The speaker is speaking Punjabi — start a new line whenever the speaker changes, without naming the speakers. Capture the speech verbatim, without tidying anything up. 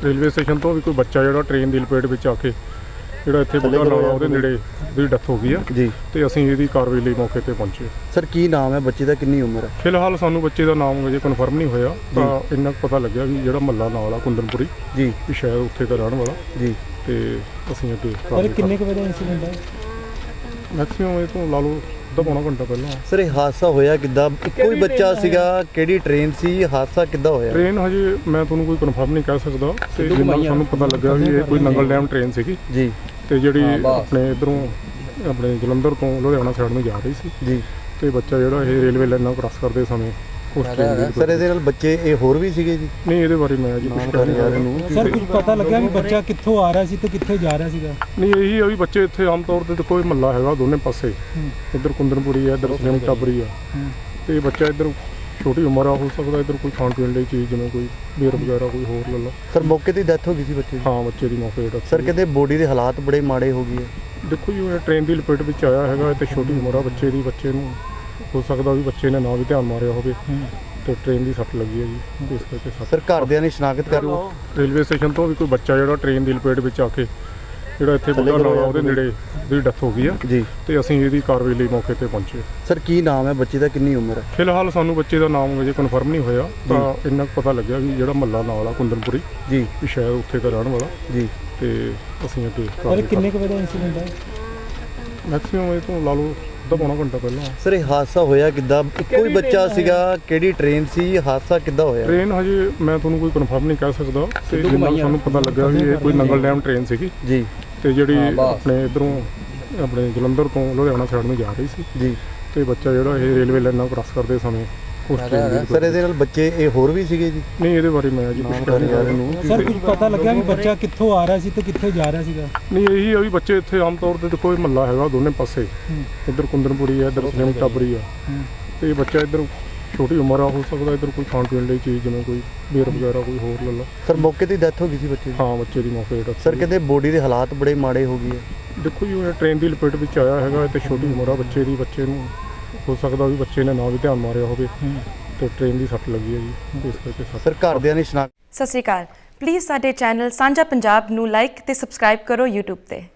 ਰੇਲਵੇ ਸਟੇਸ਼ਨ ਤੋਂ ਵੀ ਕੋਈ ਬੱਚਾ ਜਿਹੜਾ ਟ੍ਰੇਨ ਦੀ ਲਪੇਟ ਵਿੱਚ ਆ ਕੇ ਜਿਹੜਾ ਇੱਥੇ ਬੁੱਢਾ ਨਾਲਾ ਉਹਦੇ ਨੇੜੇ ਦੀ ਡੈਥ ਹੋ ਗਈ ਆ
ਜੀ,
ਤੇ ਅਸੀਂ ਇਹਦੀ ਕਾਰਵਾਈ ਲਈ ਮੌਕੇ ਤੇ ਪਹੁੰਚੇ।
ਸਰ ਕੀ ਨਾਮ ਹੈ ਬੱਚੇ ਦਾ, ਕਿੰਨੀ ਉਮਰ ਹੈ?
ਫਿਲਹਾਲ ਸਾਨੂੰ ਬੱਚੇ ਦਾ ਨਾਮ ਅਜੇ ਕਨਫਰਮ ਨਹੀਂ ਹੋਇਆ, ਤਾਂ ਇੰਨਾ ਕੁ ਪਤਾ ਲੱਗਿਆ ਵੀ ਜਿਹੜਾ ਮਹੱਲਾ ਨਾਲ ਆ ਕੁੰਦਨਪੁਰੀ
ਜੀ,
ਵੀ ਸ਼ਾਇਦ ਉੱਥੇ ਦਾ ਰਹਿਣ ਵਾਲਾ
ਜੀ,
ਤੇ ਅਸੀਂ ਅੱਗੇ
ਪਰ ਕਿੰਨੇ ਕੁ ਵਜੇ ਦਾ ਇਨਸੀਡੈਂਟ ਹੈ?
ਮੈਕਸੀਮਮ ਇਹ ਤੋਂ ਲਾ ਲਓ ਅੱਧਾ ਪੌਣਾ ਘੰਟਾ ਪਹਿਲਾਂ।
ਸਰ ਇਹ ਹਾਦਸਾ ਹੋਇਆ ਕਿੱਦਾਂ? ਇੱਕੋ ਹੀ ਬੱਚਾ ਸੀਗਾ, ਕਿਹੜੀ ਟ੍ਰੇਨ ਸੀ, ਹਾਦਸਾ ਕਿੱਦਾਂ ਹੋਇਆ?
ਟ੍ਰੇਨ ਹਜੇ ਮੈਂ ਤੁਹਾਨੂੰ ਕੋਈ ਕਨਫਰਮ ਨਹੀਂ ਕਹਿ ਸਕਦਾ, ਤੇ ਜਿੰਨਾ ਸਾਨੂੰ ਪਤਾ ਲੱਗਾ ਵੀ ਇਹ ਕੋਈ ਨੰਗਲ ਡੈਮ ਟ੍ਰੇਨ ਸੀਗੀ
ਜੀ,
ਤੇ ਜਿਹੜੀ ਆਪਣੇ ਇੱਧਰੋਂ ਆਪਣੇ ਜਲੰਧਰ ਤੋਂ ਲੁਧਿਆਣਾ ਸਾਈਡ ਨੂੰ ਜਾ ਰਹੀ ਸੀ
ਜੀ,
ਤੇ ਬੱਚਾ ਜਿਹੜਾ ਇਹ ਰੇਲਵੇ ਲਾਈਨਾਂ ਕ੍ਰਾਸ ਕਰਦੇ ਸਮੇਂ ਉਸ ਟ੍ਰੇਨ ਦੀ
ਸਰ ਇਹਦੇ ਨਾਲ ਬੱਚੇ ਇਹ ਹੋਰ ਵੀ ਸੀਗੇ ਜੀ?
ਨਹੀਂ, ਇਹਦੇ ਬਾਰੇ ਮੈਂ ਜੀ ਕੁਝ ਕਹਿ ਨਹੀਂ ਰਿਹਾ ਨੂੰ।
ਸਰ ਕੁਝ ਪਤਾ ਲੱਗਿਆ ਵੀ ਬੱਚਾ ਕਿੱਥੋਂ ਆ ਰਿਹਾ ਸੀ ਤੇ ਕਿੱਥੇ ਜਾ ਰਿਹਾ ਸੀਗਾ?
ਨਹੀਂ, ਇਹੀ ਆ ਵੀ ਬੱਚੇ ਇੱਥੇ ਆਮ ਤੌਰ ਤੇ ਕੋਈ ਮਹੱਲਾ ਹੈਗਾ ਦੋਨੇ ਪਾਸੇ, ਇੱਧਰ ਕੁੰਦਨਪੁਰੀ ਆ, ਇੱਧਰ ਸਲੇਮ ਟੱਬਰੀ ਆ, ਤੇ ਬੱਚਾ ਇੱਧਰ ਛੋਟੀ ਉਮਰ ਆ, ਹੋ ਸਕਦਾ ਇੱਧਰ ਕੋਈ ਖਾਣ ਪੀਣ ਲਈ ਚੀਜ਼ ਜਿਵੇਂ ਕੋਈ ਬੀਅਰ ਵਗੈਰਾ ਕੋਈ ਹੋਰ ਲੈ ਲਾ।
ਸਰ ਮੌਕੇ ਤੇ ਡੈਥ ਹੋ ਗਈ ਸੀ ਬੱਚੇ ਦੀ?
ਹਾਂ, ਬੱਚੇ ਦੀ ਮੌਕੇ ਤੇ।
ਸਰ ਕਹਿੰਦੇ ਬੋਡੀ ਦੇ ਹਾਲਾਤ ਬੜੇ ਮਾੜੇ ਹੋ ਗਏ ਹੈ।
ਦੇਖੋ ਜੀ, ਇਹ ਟ੍ਰੇਨ ਦੀ ਲਪੇਟ ਵਿੱਚ ਆਇਆ ਹੈਗਾ ਤੇ ਛੋਟੀ ਉਮਰ ਆ ਬੱਚੇ ਦੀ, ਬੱਚੇ ਨੂੰ ਹੋ ਸਕਦਾ ਵੀ ਬੱਚੇ ਨੇ ਨਾ ਵੀ ਧਿਆਨ ਮਾਰਿਆ ਹੋਵੇ ਤੇ ਟ੍ਰੇਨ ਦੀ ਸੱਟ ਲੱਗੀ ਹੈ ਜੀ, ਇਸ ਕਰਕੇ ਸੱਟ।
ਸਰ ਘਰਦਿਆਂ ਨੇ ਸ਼ਨਾਖਤ ਕਰ ਲਓ
ਰੇਲਵੇ ਸਟੇਸ਼ਨ ਤੋਂ ਵੀ ਕੋਈ ਬੱਚਾ ਜਿਹੜਾ ਟ੍ਰੇਨ ਦੀ ਲਪੇਟ ਵਿੱਚ ਆ ਕੇ ਜਿਹੜਾ ਇੱਥੇ ਬੁੱਢਾ ਨਾਲਾ ਉਹਦੇ ਨੇੜੇ ਦੀ ਡੈਥ ਹੋ ਗਈ ਆ
ਜੀ,
ਤੇ ਅਸੀਂ ਇਹਦੀ ਕਾਰਵਾਈ ਲਈ ਮੌਕੇ ਤੇ ਪਹੁੰਚੇ।
ਸਰ ਕੀ ਨਾਮ ਹੈ ਬੱਚੇ ਦਾ, ਕਿੰਨੀ ਉਮਰ ਹੈ?
ਫਿਲਹਾਲ ਸਾਨੂੰ ਬੱਚੇ ਦਾ ਨਾਮ ਅਜੇ ਕਨਫਰਮ ਨਹੀਂ ਹੋਇਆ, ਤਾਂ ਇੰਨਾ ਕੁ ਪਤਾ ਲੱਗਿਆ ਵੀ ਜਿਹੜਾ ਮਹੱਲਾ ਨਾਲ ਆ ਕੁੰਦਨਪੁਰੀ
ਜੀ,
ਵੀ ਸ਼ਾਇਦ ਉੱਥੇ ਦਾ ਰਹਿਣ ਵਾਲਾ
ਜੀ,
ਤੇ ਅਸੀਂ ਅੱਗੇ
ਪਰ ਕਿੰਨੇ ਕੁ ਵਜੇ ਦਾ ਇਨਸੀਡੈਂਟ ਹੈ?
ਮੈਕਸੀਮਮ ਇਹ ਤੋਂ ਲਾ ਲਓ ਅੱਧਾ ਪੌਣਾ ਘੰਟਾ ਪਹਿਲਾਂ।
ਸਰ ਇਹ ਹਾਦਸਾ ਹੋਇਆ ਕਿੱਦਾਂ? ਇੱਕੋ ਹੀ ਬੱਚਾ ਸੀਗਾ, ਕਿਹੜੀ ਟ੍ਰੇਨ ਸੀ, ਹਾਦਸਾ ਕਿੱਦਾਂ ਹੋਇਆ?
ਟ੍ਰੇਨ ਹਜੇ ਮੈਂ ਤੁਹਾਨੂੰ ਕੋਈ ਕਨਫਰਮ ਨਹੀਂ ਕਹਿ ਸਕਦਾ, ਤੇ ਜਿੰਨਾ ਸਾਨੂੰ ਪਤਾ ਲੱਗਾ ਵੀ ਇਹ ਕੋਈ ਨੰਗਲ ਡੈਮ ਟ੍ਰੇਨ ਸੀਗੀ
ਜੀ,
ਤੇ ਜਿਹੜੀ ਆਪਣੇ ਇੱਧਰੋਂ ਆਪਣੇ ਜਲੰਧਰ ਤੋਂ ਲੁਧਿਆਣਾ ਸਾਈਡ ਨੂੰ ਜਾ ਰਹੀ ਸੀ
ਜੀ,
ਤੇ ਬੱਚਾ ਜਿਹੜਾ ਇਹ ਰੇਲਵੇ ਲਾਈਨਾਂ ਕ੍ਰਾਸ ਕਰਦੇ ਸਮੇਂ ਉਸ ਟ੍ਰੇਨ ਦੀ।
ਸਰ ਇਹਦੇ ਨਾਲ ਬੱਚੇ ਇਹ ਹੋਰ ਵੀ ਸੀਗੇ ਜੀ?
ਨਹੀਂ, ਇਹਦੇ ਬਾਰੇ ਮੈਂ ਜੀ ਕੁਝ ਕਹਿ ਨਹੀਂ ਰਿਹਾ ਨੂੰ।
ਸਰ ਕੁਝ ਪਤਾ ਲੱਗਿਆ ਵੀ ਬੱਚਾ ਕਿੱਥੋਂ ਆ ਰਿਹਾ ਸੀ ਤੇ ਕਿੱਥੇ ਜਾ ਰਿਹਾ ਸੀਗਾ?
ਨਹੀਂ, ਇਹੀ ਆ ਵੀ ਬੱਚੇ ਇੱਥੇ ਆਮ ਤੌਰ ਤੇ ਕੋਈ ਮਹੱਲਾ ਹੈਗਾ ਦੋਨੇ ਪਾਸੇ, ਇੱਧਰ ਕੁੰਦਨਪੁਰੀ ਆ, ਇੱਧਰ ਸਲੇਮ ਟੱਬਰੀ ਆ, ਤੇ ਬੱਚਾ ਇੱਧਰ ਛੋਟੀ ਉਮਰ ਆ, ਹੋ ਸਕਦਾ ਇੱਧਰ ਕੋਈ ਖਾਣ ਪੀਣ ਲਈ ਚੀਜ਼ ਜਿਵੇਂ ਕੋਈ ਬੀਅਰ ਵਗੈਰਾ ਕੋਈ ਹੋਰ ਲੈ ਲਾ।
ਸਰ ਮੌਕੇ ਤੇ ਡੈਥ ਹੋ ਗਈ ਸੀ ਬੱਚੇ ਦੀ?
ਹਾਂ, ਬੱਚੇ ਦੀ ਮੌਕੇ ਤੇ।
ਸਰ ਕਹਿੰਦੇ ਬੋਡੀ ਦੇ ਹਾਲਾਤ ਬੜੇ ਮਾੜੇ ਹੋ ਗਏ ਹੈ।
ਦੇਖੋ ਜੀ, ਇਹ ਟ੍ਰੇਨ ਦੀ ਲਪੇਟ ਵਿੱਚ ਆਇਆ ਹੈਗਾ ਤੇ ਛੋਟੀ ਉਮਰ ਆ ਬੱਚੇ ਦੀ, ਬੱਚੇ ਨੂੰ ਹੋ ਸਕਦਾ ਵੀ ਬੱਚੇ ਨੇ ਨਾ ਵੀ ਧਿਆਨ ਮਾਰਿਆ ਹੋਵੇ ਤੇ ਟ੍ਰੇਨ ਦੀ ਸੱਟ ਲੱਗੀ ਹੈ ਜੀ, ਇਸ ਕਰਕੇ ਸੱਟ।
ਸਰ ਘਰਦਿਆਂ ਨੇ ਸ਼ਨਾਖਤ।
ਸਤਿ ਸ਼੍ਰੀ ਅਕਾਲ। ਪਲੀਜ਼ ਸਾਡੇ ਚੈਨਲ ਸਾਂਝਾ ਪੰਜਾਬ ਨੂੰ ਲਾਈਕ ਤੇ ਸਬਸਕ੍ਰਾਈਬ ਕਰੋ YouTube ਤੇ।